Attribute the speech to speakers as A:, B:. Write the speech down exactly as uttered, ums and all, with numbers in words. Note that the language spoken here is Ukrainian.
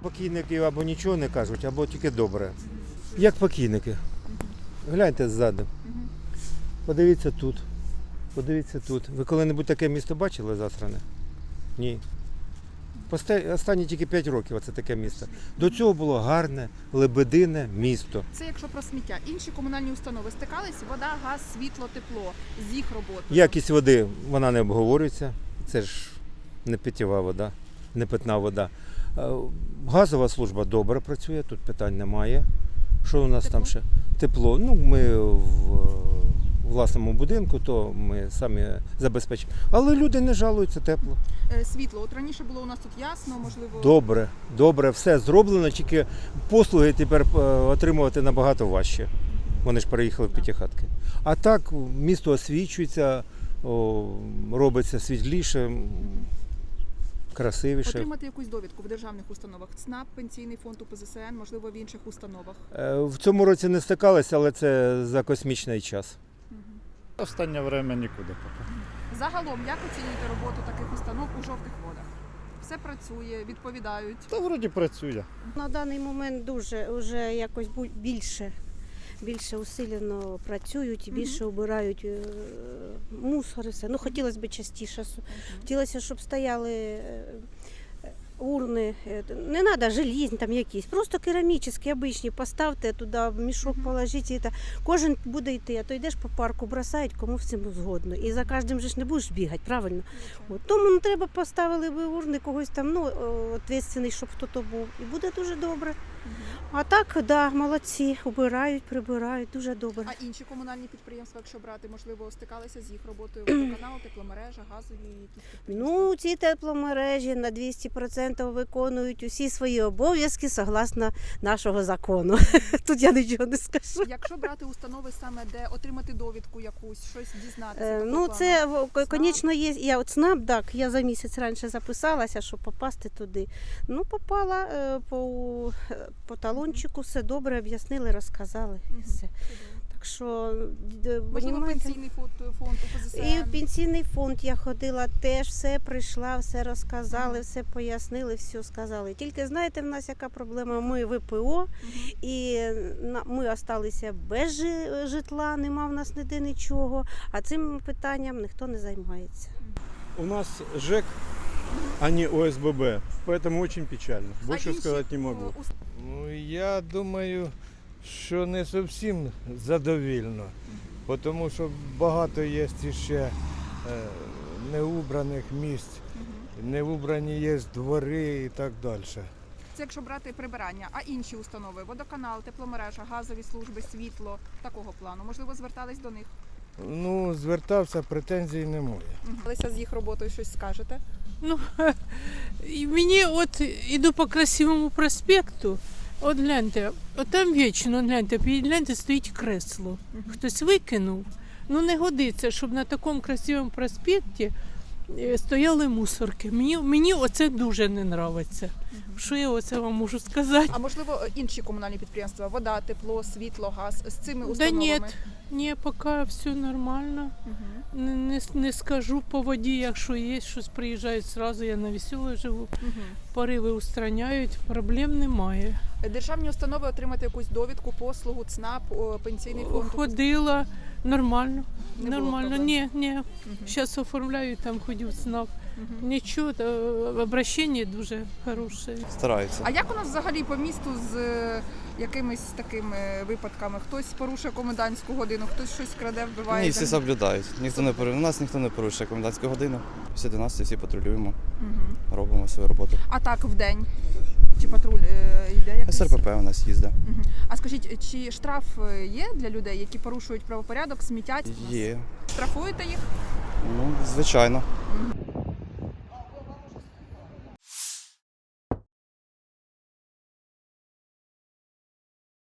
A: Покійники або нічого не кажуть, або тільки добре. Як покійники. Гляньте ззаду. Подивіться тут. Подивіться тут. Ви коли-небудь таке місто бачили засране? Ні. Посте- Останні тільки п'ять років оце таке місто. До цього було гарне, лебедине місто.
B: Це якщо про сміття. Інші комунальні установи стикались, вода, газ, світло, тепло з їх роботою.
A: Якість води, вона не обговорюється. Це ж не питєва вода, не питна вода. Е, Газова служба добре працює, тут питань немає. Що у нас
B: Тепло?
A: там ще? Тепло. Ну, ми в власному будинку, то ми самі забезпечимо. Але люди не жалуються, тепло.
B: Е, Світло. От раніше було у нас тут ясно, можливо.
A: Добре, добре, все зроблено, тільки послуги тепер е, отримувати набагато важче. Вони ж переїхали в п'ятихатки. А так місто освічується, о, робиться світліше, красивіше.
B: Отримати якусь довідку в державних установах. ЦНАП, Пенсійний фонд, У Пе Зе Се Ен, можливо, в інших установах.
A: Е, В цьому році не стикалися, але це за космічний час.
C: Останнє время нікуди поки.
B: Загалом, як оцінюєте роботу таких установ у жовтих водах? Все працює, відповідають.
C: Та вроді працює.
D: На даний момент дуже вже якось бу- більше, більше усилено працюють і більше обирають е, мусор і все. Ну, хотілося б частіше. Хотілося, щоб стояли е, урни. Е, Не треба желізні там якісь, просто керамічні, обичні. Поставте туди, в мішок положіть. І та. Кожен буде йти, а то йдеш по парку, бросають, кому в цьому згодно. І за кожним же ж не будеш бігати, правильно? От. Тому ну, треба поставили би урни когось там, ну, відповідальний, щоб хто-то був. І буде дуже добре. А так, да, молодці, убирають, прибирають, дуже добре.
B: А інші комунальні підприємства, якщо брати, можливо, стикалися з їх роботою, водоканал, тепломережа, газові якісь підприємства?
D: Ну, ці тепломережі на двісті відсотків виконують усі свої обов'язки согласно нашого закону. Тут я нічого не скажу.
B: Якщо брати установи саме, де отримати довідку якусь, щось дізнатися.
D: Е,
B: такого
D: Ну,
B: плану?
D: це, в-
B: ЦНАП?
D: звісно, є. Я от ЦНАП, так, я за місяць раніше записалася, щоб попасти туди. Ну, попала е, по, е, по талончику, все добре, об'яснили, розказали. І
B: Мгм.
D: все.
B: Чудово.
D: Так що, д-
B: Можливо,
D: понімаєте?
B: пенсійний фонд, фонд У Пе Зе Се
D: І
B: Ен.
D: в пенсійний фонд я ходила, теж все прийшла, все розказали, все пояснили, все сказали. Тільки знаєте, в нас яка проблема? Ми В Пе О,
B: Мгм.
D: і на- ми залишилися без жи- житла, нема в нас ніде нічого, а цим питанням ніхто не займається.
E: У нас ЖЭК, а не О С Б Б, поэтому очень печально.
B: А
E: Больше
B: інші,
E: сказать не могу.
B: о, ус-
F: Ну, я думаю, що не зовсім задовільно, тому що багато є ще е, неубраних місць,
B: Мгм.
F: неубрані є двори і так далі.
B: Це якщо брати прибирання, а інші установи, водоканал, тепломережа, газові служби, світло, такого плану. Можливо, звертались до них.
F: Ну, звертався, претензій немає.
B: Алися з їх роботою щось скажете?
G: Ну, і мені от іду по красивому проспекту, от гляньте, от там вічно, гляньте, гляньте, стоїть кресло. Хтось викинув. Ну не годиться, щоб на такому красивому проспекті е, стояли мусорки. Мені, мені оце дуже не подобається. Що я оце вам можу сказати?
B: А можливо, інші комунальні підприємства, вода, тепло, світло, газ з цими
G: Да
B: установами?
G: ні, ні, поки все нормально.
B: Мгм.
G: Не, не, не скажу по воді, якщо є щось, приїжджають зразу, я на Веселій живу.
B: Мгм.
G: Пориви устраняють, проблем немає.
B: Державні установи отримати якусь довідку, послугу, ЦНАП, о, пенсійний фонд.
G: Ходила нормально.
B: Не було
G: нормально.
B: проблем?
G: Ні, ні.
B: Мгм.
G: Зараз оформляю, там ходив ЦНАП.
B: Мгм.
G: Нічого, та, обращення дуже хороше.
H: Стараються.
B: А як у нас взагалі по місту з е, якимись такими випадками? Хтось порушує комендантську годину, хтось щось краде, вбиває?
H: Ні, всі соблюдають. Ніхто не пору- У нас ніхто не порушує комендантську годину. Після одинадцяти всі патрулюємо,
B: Мгм.
H: робимо свою роботу.
B: А так в день? Чи патруль е, йде якийсь?
H: С Р П П у нас їздить.
B: Мгм. А скажіть, чи штраф е, є для людей, які порушують правопорядок, смітять?
H: Є.
B: Штрафуєте їх?
H: Ну, звичайно.
B: Мгм.